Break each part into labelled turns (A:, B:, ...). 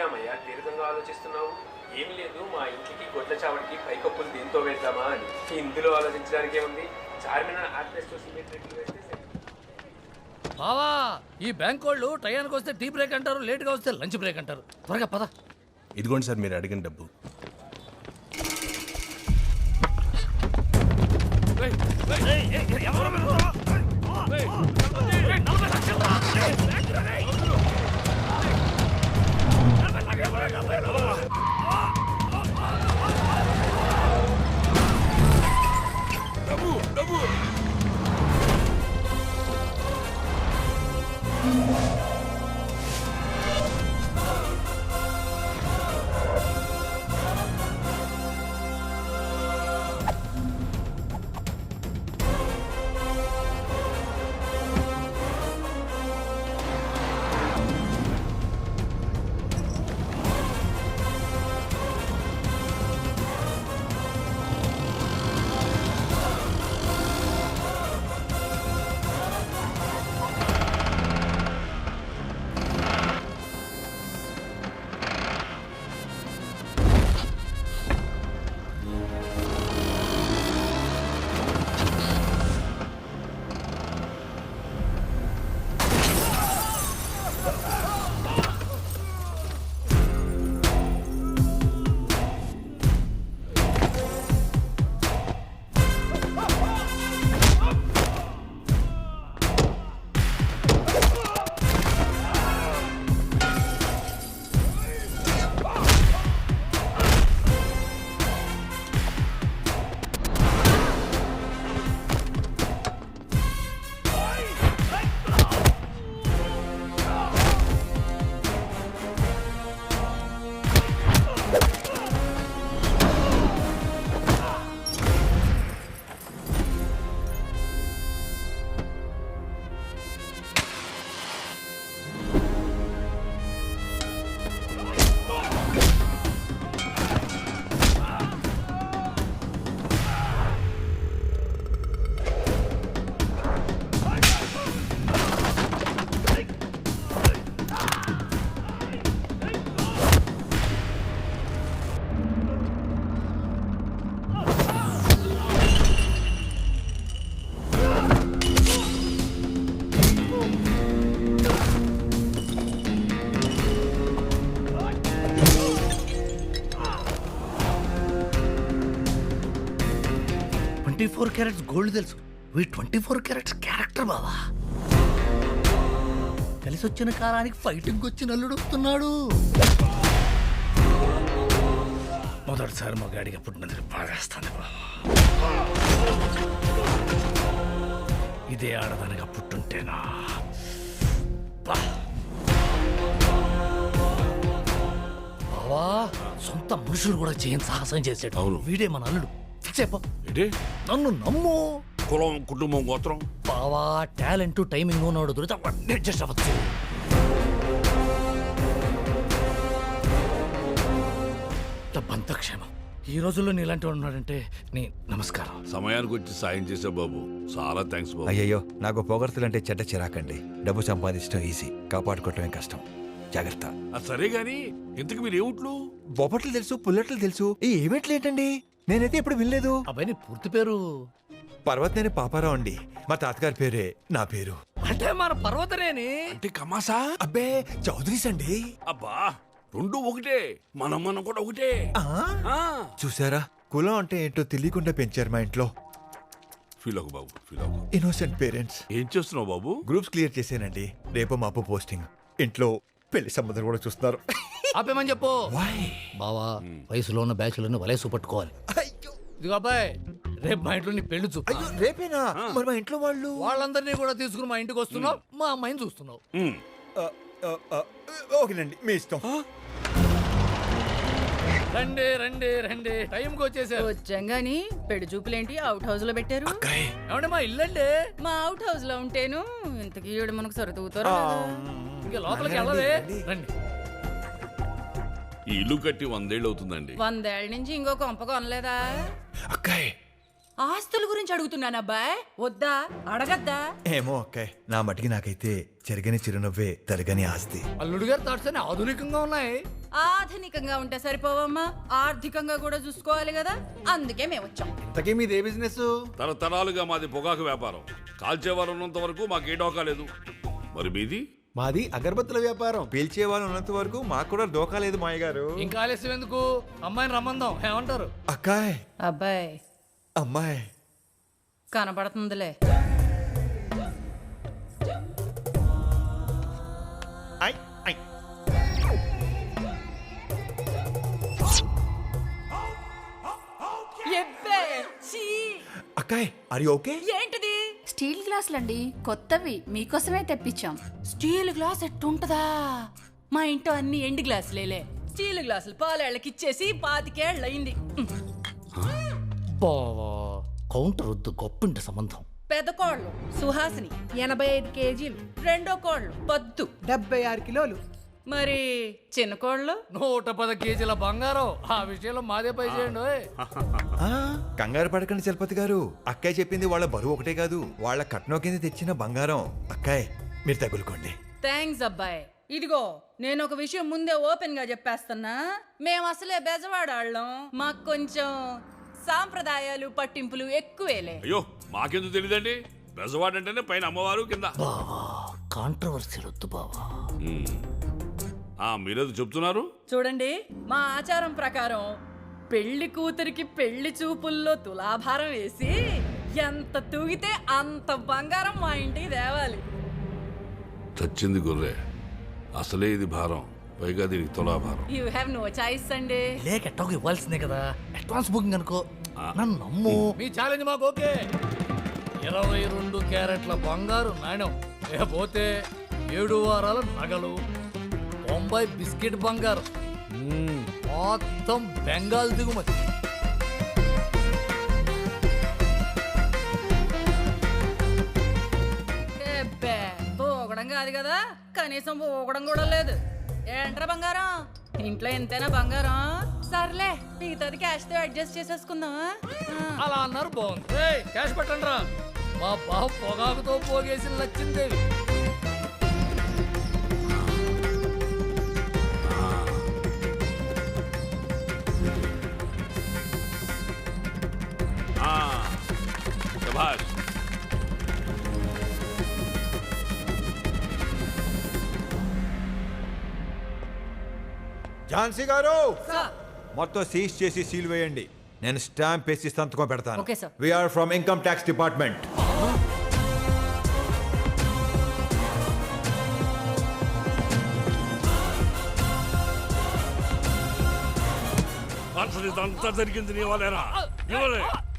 A: రామయ్య దీర్ఘంగా ఆలోచిస్తున్నావు? ఏమి లేదు, మా ఇంటికి గొడ్ల చావడికి పైకప్పులు దేంతో వేద్దామా అని. ఇందులో ఆలోచించడానికి ఏముంది, చార్మినార్ ఆర్టిస్ట్ సిమెంట్ రేట్లు వేస్తే
B: బావా ఈ బ్యాంక్ వాళ్ళు టయానికి వస్తే టీ బ్రేక్ అంటారు, లేట్గా వస్తే లంచ్ బ్రేక్ అంటారు. త్వరగా పద.
C: ఇదిగోండి సార్ మీరు అడిగిన డబ్బు.
B: క్యారెట్స్ గోల్డ్ తెలుసు, 24 క్యారెట్స్ క్యారెక్టర్ బావా. కలిసి వచ్చిన కాలానికి ఫైటింగ్ వచ్చి నల్లుడు వస్తున్నాడు. మొదటిసారి మా గాడిగా పుట్టినందుకు బాధేస్తాను బావా. ఇదే ఆడదానిగా పుట్టుంటేనా బావా. సొంత మనుషులు కూడా చేయని సాహసం చేసాడు.
D: అవును.
B: వీడే మన అల్లుడు. చెప్ప
D: ఏంటి?
B: నన్ను నమ్ము.
D: కులం, కుటుంబం, గోత్రం
B: బావా టాలెంట్ టైమింగ్ ఉన్నాడు దొరికితే అవన్నీ అడ్జస్ట్ అవ్వచ్చు. బంతక్షేమం. ఈ రోజుల్లో నీలాంటి వాడు ఉన్నాడంటే నీ నమస్కారం.
D: సమయానికి వచ్చి సాయం చేసావు బాబు, చాలా థ్యాంక్స్ బాబు.
E: అయ్యయ్యో, నాకు పొగడ్తలంటే చెడ్డ చిరాకండి. డబ్బు సంపాదించడం ఈజీ, కాపాడుకోవటమే కష్టం. జాగ్రత్త.
D: సరే గాని ఇంతకు మీరు ఏమిట్లు?
E: బొబ్బట్లు తెలుసు, పుల్లట్లు తెలుసు, ఈ ఈవెంట్లు ఏంటండి? నేనైతే ఎప్పుడు వినలేదు.
B: అబ్బాయి నీ పూర్తి పేరు?
E: పర్వతనేని పాపారావు అండి. మా తాతగారి పేరే నా పేరు.
B: అంటే మన పర్వతనేని
D: అంటే కమాసా?
E: అబ్బే చౌదరీస్ అండి.
D: అబ్బా రెండు ఒకటే, మనం కూడా ఒకటే. ఆ.
E: చూసారా, కులం అంటే ఏంటో తెలియకుండా పెంచారు మా ఇంట్లో.
D: ఫీల్ అవ్వకు బాబు, ఫీల్ అవ్వకు.
E: Innocent parents.
D: ఏం చేస్తున్నావు బాబు?
E: గ్రూప్స్ క్లియర్ చేశానండి. రేపు మాపు పోస్టింగ్. ఇంట్లో పెళ్లి సంబంధం కూడా చూస్తున్నారు.
B: ఆపేమని చెప్పు. బావా వయసులో ఉన్న బ్యాచ్లను వలేసు పట్టుకోవాలి. ఇదిగో అబ్బాయి, రేపు మా ఇంట్లో నీ పెళ్లి చూపు.
E: రేపేనా? మరి మా ఇంట్లో
B: వాళ్ళందరినీ కూడా తీసుకుని మా ఇంటికి వస్తున్నావు, మా అమ్మాయిని చూస్తున్నావు.
E: ఓకేనండి, మీ ఇష్టం.
B: రండి రండి రండి, టైంకి వచ్చేసారు.
F: వచ్చాం గాని పెళ్లి చూపులేంటి అవుట్ హౌస్ లో పెట్టారు?
B: ఏమంటే మా ఇల్లండి.
F: మా అవుట్ హౌస్ లో ఉంటేను ఇంతకీ ఈవిడ మనకు సొరతూతారు.
B: ఇంకా లోపలికి వెళ్ళవే. రండి.
D: ఈ ఇల్లు కట్టి 100 ఏళ్ళు అవుతుందండి.
F: 100 ఏళ్ల నుంచి ఇంకో కొంప కొనలేదా?
E: అక్కాయ్,
F: ఆస్తుల గురించి అడుగుతున్నాను అబ్బాయ్, వద్దా అడగద్దా?
E: ఏమో అక్కాయ్, నా మటికి నాకైతే చెరగని చిరునవ్వే తరగని ఆస్తి.
B: అల్లుడు గారు థాట్స్ అన్ని ఆధునికంగా ఉన్నాయి.
F: ఆధునికంగా ఉంటే సరిపోవమ్మా, ఆర్థికంగా కూడా చూసుకోవాలి కదా, అందుకే మేము వచ్చాం.
G: ఇంతకీ మీదే బిజినెస్?
D: తరతరాలుగా మాది పొగాకు వ్యాపారం. కాల్చేవారు ఉన్నంత వరకు మాకే డోకా లేదు. మరి మీది?
G: మాది అగరబత్తుల వ్యాపారం.
E: పీల్చే వాళ్ళు ఉన్నంత వరకు మాకు కూడా దోకా లేదు మాయ గారు.
B: ఇంకా ఆలస్యం ఎందుకు, అమ్మాయిని రమ్మందాం, ఏమంటారు?
E: అక్కాయ్,
F: అబ్బాయి
E: అమ్మాయి
F: కనపడుతుందిలే.
E: ఐ, ఐ.
F: ఎబ్బే, ఛీ!
E: అక్కాయ్, ఆర్ యు ఓకే?
F: ఏంటిది?
H: స్టీల్ గ్లాసులండి, కొత్తవి మీకోసమే తెప్పించాం.
F: Steel glass ఎట్టుంటదా? మా ఇంట్లో అన్ని ఎండి గ్లాసులేలే. స్టీల్ గ్లాసులు పాలేళ్ళకి ఇచ్చేసి 25 ఏళ్ళయింది.
B: బావా కౌంటర్ వద్దు, గొప్పింటి సంబంధం.
F: పెద్ద కోళ్ళు సుహాసిని 85 కేజీలు, రెండో కోళ్ళు పద్దు
G: 76 కిలోలు.
F: మరి చిన్న కోళ్ళు
B: 110 కేజీల బంగారం. ఆ విషయంలో మాదే పై చేయండి ఓయ్.
E: ఆ, కంగారు పడకండి చలపతి గారు. అక్కాయ్ చెప్పింది వాళ్ళ బరువు ఒకటే కాదు, వాళ్ళ కట్నం కింద తెచ్చిన బంగారం. అక్కాయ్, మీరు తగులుకోండి.
F: థ్యాంక్స్ అబ్బాయి. ఇదిగో నేను ఒక విషయం ముందే ఓపెన్ గా చెప్పేస్తున్నా, మేము అసలే బెజవాడాళ్ళం, మాకు కొంచెం సాంప్రదాయాలు పట్టింపులు ఎక్కువేలే.
D: అయ్యో, మాకెందుకు తెలియదండి. బెజవాడంటేనే పైన అమ్మవారు, కింద.
B: బావా కాంట్రవర్సీ వద్దు బావా.
D: మీరేదో చెప్తున్నారు?
F: చూడండి, మా ఆచారం ప్రకారం పెళ్లి కూతురికి పెళ్లి చూపుల్లో తులాభారం వేసి ఎంత తూగితే అంత బంగారం మా ఇంటికి తేవాలి.
D: చచ్చింది గొర్రె, అసలే ఇది భారం, పైగా దీనికి తులాభారం.
F: యూ హ్యావ్ నో చాయిస్ అండి.
B: లేక ఎట్టోకి ఇవ్వాల్సిందే కదా, అడ్వాన్స్ బుకింగ్ అనుకో. నన్ను నమ్ము. మీ ఛాలెంజ్ మాకు ఓకే. 22 క్యారెట్ల బంగారు నాణ్యం, లేకపోతే 7 వారాల నగలు, 90 బిస్కెట్ బంగారం, మొత్తం బెంగాల్ దిగుమతి.
F: ఎబ్బే, పోగడం కాదు కదా, కనీసం పోగడం కూడా లేదు. ఏంట్రా బంగారం, ఇంట్లో ఎంతైనా బంగారం. సర్లే, మిగతాది క్యాష్ తో అడ్జస్ట్ చేసేసుకుందామా?
B: అలా అన్నారు, బాగుంది. ఏయ్, క్యాష్ పెట్టండి రా. మా బావ పొగాకుతో పోగేసిన లచ్చిందేవి.
D: శభాష్.
E: ఝాన్సీ గారు,
F: సార్.
E: మొత్తం సీజ్ చేసి సీల్ వేయండి. నేను స్టాంప్ వేసి సంతకం పెడతాను.
F: Okay, sir.
E: We're from income tax department.
D: అసలు ఇదంతా జరిగింది నీ వల్లేనా? ఇవ్వలే.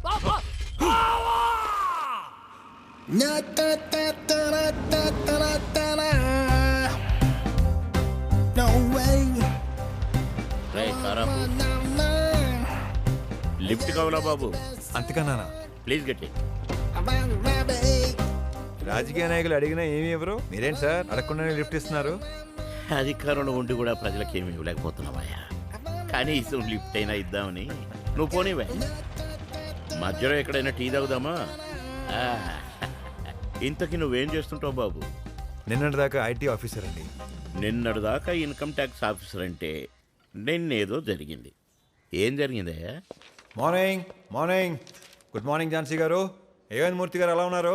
I: లిఫ్ట్ కావాలా బాబు?
E: అంతకన్నా
I: ప్లీజ్ గట్టి.
E: రాజకీయ నాయకులు అడిగినా ఏమి ఇవ్వరు, మీరేంటి సార్ అడగకుండానే లిఫ్ట్ ఇస్తున్నారు?
I: అధికారంలో ఉండి కూడా ప్రజలకు ఏమి ఇవ్వలేకపోతున్నావయ్యా. కనీసం లిఫ్ట్ అయినా ఇద్దామని. నువ్వు పోనీవే, మధ్యలో ఎక్కడైనా టీ తాగుదామా? ఇంతకీ నువ్వేం చేస్తుంటావు బాబు?
E: నిన్నటి దాకా ఐటీ ఆఫీసర్ అండి.
I: నిన్నటి దాకా ఇన్కమ్ ట్యాక్స్ ఆఫీసర్ అంటే నిన్నేదో జరిగింది. ఏం జరిగిందయ్యా?
E: Morning morning. Good morning Jhansi garu. A one మూర్తి గారు ఎలా ఉన్నారు?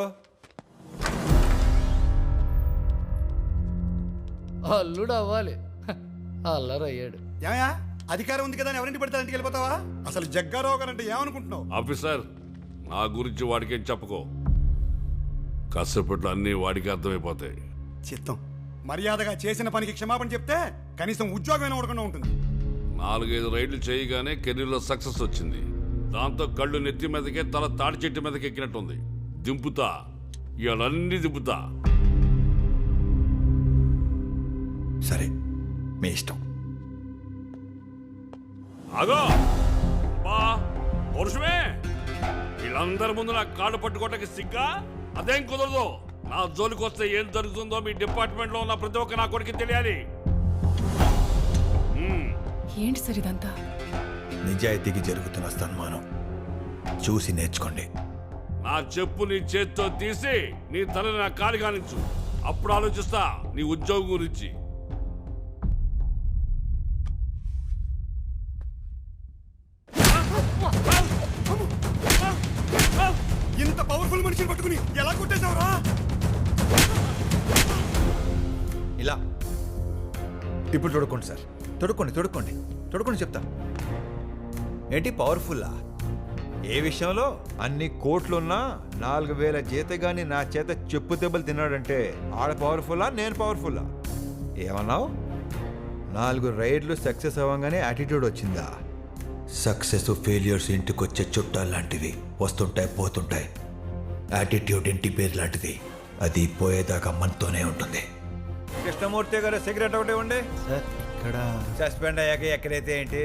B: అల్లుడు అవ్వాలి, అల్లరయ్యాడు.
G: ఏమయ్యా, అధికారం ఉంది కదా అని ఎవరింటి పడితే ఇంటికి వెళ్ళిపోతావా? అసలు జగ్గారావు గారు అంటే ఏమనుకుంటున్నావు?
D: ఆఫీసర్, నా గురించి వాడికేం చెప్పుకో. కాసేపట్లో అన్నీ వాడికి అర్థమైపోతాయి.
G: చిత్తం. మర్యాదగా చేసిన పనికి క్షమాపణ చెప్తే కనీసం ఉద్యోగమైనా ఉండకుండా ఉంటుంది.
D: 4-5 రైడ్లు చేయగానే కెరీర్లో సక్సెస్ వచ్చింది. దాంతో కళ్ళు నెత్తి మీదకే, తల తాడి చెట్టు మీదకి ఎక్కినట్టుంది. దింపుతా, ఇవన్నీ దింపుతా.
E: సరే, మీ ఇష్టం.
D: ఆగో బా పురుషమే, వీళ్ళందరి ముందు నా కాళ్ళు పట్టుకోవటానికి సిగ్గా? అదేం కుదరదు. నా జోలికి వస్తే ఏం జరుగుతుందో మీ డిపార్ట్మెంట్ లో ఉన్న ప్రతి ఒక్క నా కొడుకు తెలియాలి.
F: ఏంటి సార్ ఇదంతా?
E: నిజాయితీకి జరుగుతున్న సన్మానం చూసి నేర్చుకోండి.
D: నా చెప్పు నీ చేత్తో తీసి నీ తలని నా కాలి కానించు. అప్పుడు ఆలోచిస్తా నీ ఉద్యోగం గురించి.
G: పవర్ఫుల్ మనిషిని పట్టుకుని ఎలా కొట్టేశావురా?
E: ఇలా ఇప్పుడు తొడుక్కోండి సార్, తొడుక్కోండి చెప్తా. ఏంటి పవర్ఫుల్లా? ఏ విషయంలో? అన్ని కోట్లున్నా 4000 జీతగాని నా చేత చెప్పు దెబ్బలు తిన్నాడంటే ఆడ పవర్ఫుల్లా, నేను పవర్ఫుల్లా? ఏమన్నావు? 4 రైడ్లు సక్సెస్ అవ్వగానే యాటిట్యూడ్ వచ్చిందా? సక్సెస్ ఫెయిల్యూర్స్ ఇంటికొచ్చే చుట్టాలు లాంటివి, వస్తుంటాయి పోతుంటాయి. యాటిట్యూడ్ ఇంటి పేరు లాంటిది, అది పోయేదాకా మనతోనే ఉంటుంది. కృష్ణమూర్తి గారు సిగరెట్ ఒకటి ఉండే
J: సార్ ఇక్కడ
E: సస్పెండ్ అయ్యాక ఎక్కడైతే ఏంటి?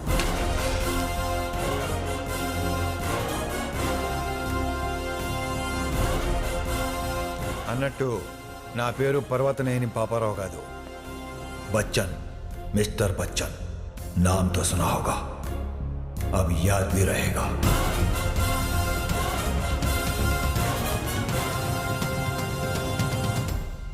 E: అన్నట్టు నా పేరు పర్వతనేని పాపారావు కాదు, బచ్చన్, మిస్టర్ बच्चन. नाम तो सुना होगा, अब याद भी रहेगा.